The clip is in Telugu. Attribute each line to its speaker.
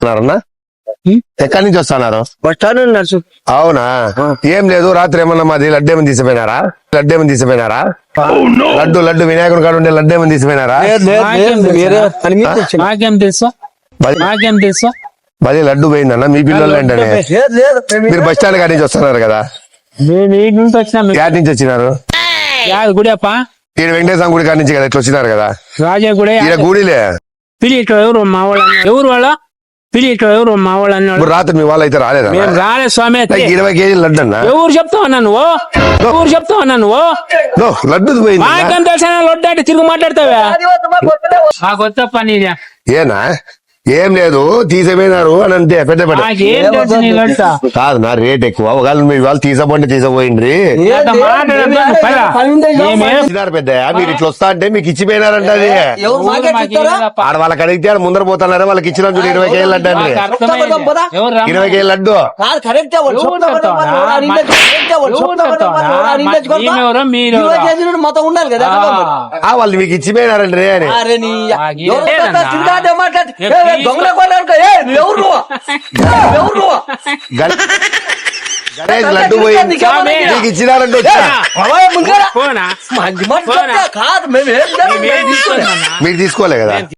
Speaker 1: అన్నా ఎక్కడి నుంచి వస్తున్నారు?
Speaker 2: బస్ స్టాండ్ నడుచు.
Speaker 1: అవునా? ఏం లేదు, రాత్రి ఏమన్నా మాది లడ్డు ఏమని తీసిపోయినారా? లడ్డు వినాయకుని కాడ ఉండే లడ్డు ఏమని తీసిపోయినారా? మరి లడ్డు పోయిందన్న మీ పిల్లలు ఏంటనే? మీరు బస్ స్టాండ్ కాడి నుంచి వస్తున్నారు కదా? యాడ్ నుంచి వచ్చినారు?
Speaker 3: గుడియప్ప
Speaker 1: ఈయన వెంకటేశ్వర గుడి కాడి నుంచి కదా ఇట్లా వచ్చినారు కదా?
Speaker 3: రాజా గుడి
Speaker 1: ఈయన గుడిలే.
Speaker 3: పిలిట్లో ఎవరు మా వాళ్ళు ఎవరు వాళ్ళ పిలిట్లో ఎవరు మా వాళ్ళు అన్నాడు.
Speaker 1: ఇప్పుడు రాత్రి మీ వాళ్ళు అయితే రాలేదా?
Speaker 3: మేము రాలేదు స్వామి.
Speaker 1: 20 కేజీలు లడ్డు అన్న.
Speaker 3: ఎవరు చెప్తావు నువ్వు
Speaker 1: లడ్డు పోయింది.
Speaker 3: మాకేం తెలిసిన లడ్డు అంటే తిరుగు మాట్లాడతావా? ఆ కొత్త పని
Speaker 1: ఏనా? ఏం లేదు, తీసిపోయినారు అని అంటే పెద్ద కాదు నా రేట్ ఎక్కువ. ఒకవేళ మీ వాళ్ళు తీసపోయిండ్రి పెద్ద మీరు ఇట్లా వస్తా అంటే మీకు ఇచ్చిపోయినారంట. అది ఆడ వాళ్ళకి అడిగితే ఆడ ముందర పోతున్నారా? వాళ్ళకి ఇచ్చిన 20 కేజీలు లడ్డు అండి. 20 కేజీలు లడ్డు
Speaker 2: మొత్తం ఉండాలి కదా.
Speaker 1: వాళ్ళు మీకు ఇచ్చిపోయినారండి అని గణేష్ లడ్డు పోయింది మీకు ఇచ్చినారంటే మీరు తీసుకోలే కదా?